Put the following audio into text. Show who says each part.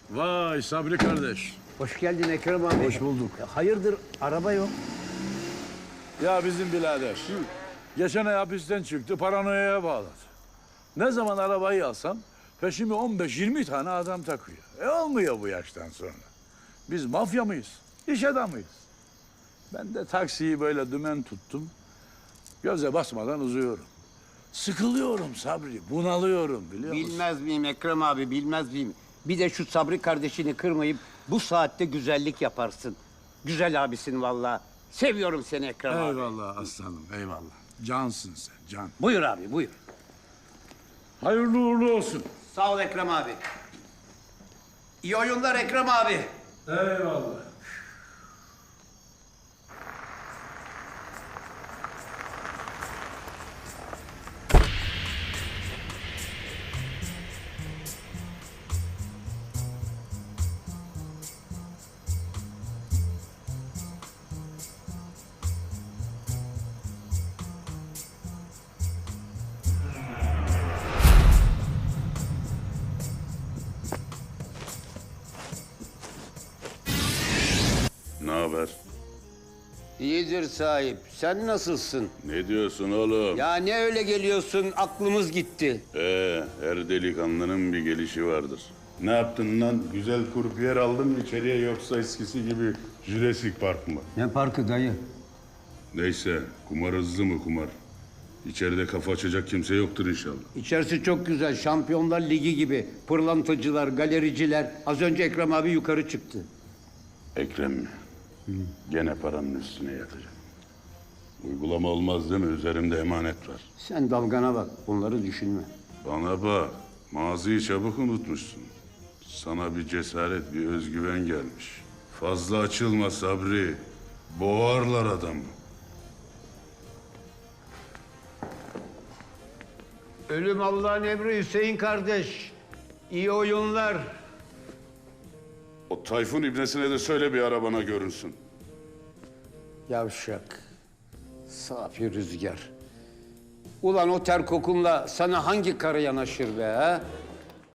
Speaker 1: Vay Sabri kardeş.
Speaker 2: Hoş geldin Ekrem abi.
Speaker 1: Hoş bulduk.
Speaker 2: Hayırdır araba yok?
Speaker 1: Ya bizim birader. Geçen ay hapisten çıktı, paranoyaya bağladı. Ne zaman arabayı alsam peşime 15-20 tane adam takıyor. Olmuyor bu yaştan sonra. Biz mafya mıyız? İş adamıyız. Ben de taksiyi böyle dümen tuttum. Göze basmadan uzuyorum. Sıkılıyorum Sabri, bunalıyorum biliyor musun?
Speaker 2: Bilmez miyim Ekrem abi, bilmez miyim? Bir de şu Sabri kardeşini kırmayıp bu saatte güzellik yaparsın. Güzel abisin vallahi. Seviyorum seni Ekrem abi.
Speaker 1: Eyvallah aslanım, eyvallah. Cansın sen, can.
Speaker 2: Buyur abi, buyur.
Speaker 1: Hayırlı uğurlu olsun.
Speaker 2: Sağ ol Ekrem abi. İyi oyunlar Ekrem abi.
Speaker 1: Eyvallah.
Speaker 3: Ne haber?
Speaker 2: İyidir sahip. Sen nasılsın?
Speaker 3: Ne diyorsun oğlum?
Speaker 2: Ya ne öyle geliyorsun? Aklımız gitti.
Speaker 3: Her delikanlının bir gelişi vardır. Ne yaptın lan? Güzel kurpiyer aldın mı içeriye yoksa eskisi gibi Jurassic Park mı?
Speaker 2: Ne parkı dayı?
Speaker 3: Neyse, kumar hızlı mı kumar? İçeride kafa açacak kimse yoktur inşallah.
Speaker 2: İçerisi çok güzel. Şampiyonlar Ligi gibi. Pırlantacılar, galericiler. Az önce Ekrem abi yukarı çıktı.
Speaker 3: Ekrem mi? Gene paranın üstüne yatacak. Uygulama olmaz değil mi? Üzerimde emanet var.
Speaker 2: Sen dalgana bak. Bunları düşünme.
Speaker 3: Bana bak, maziyi çabuk unutmuşsun. Sana bir cesaret, bir özgüven gelmiş. Fazla açılma Sabri. Boğarlar adamı.
Speaker 2: Ölüm Allah'ın emri Hüseyin kardeş. İyi oyunlar.
Speaker 3: O Tayfun ibnesine de söyle bir arabana görünsün.
Speaker 2: Yavşak. Safi rüzgar. Ulan o ter kokunla sana hangi karı yanaşır be ha?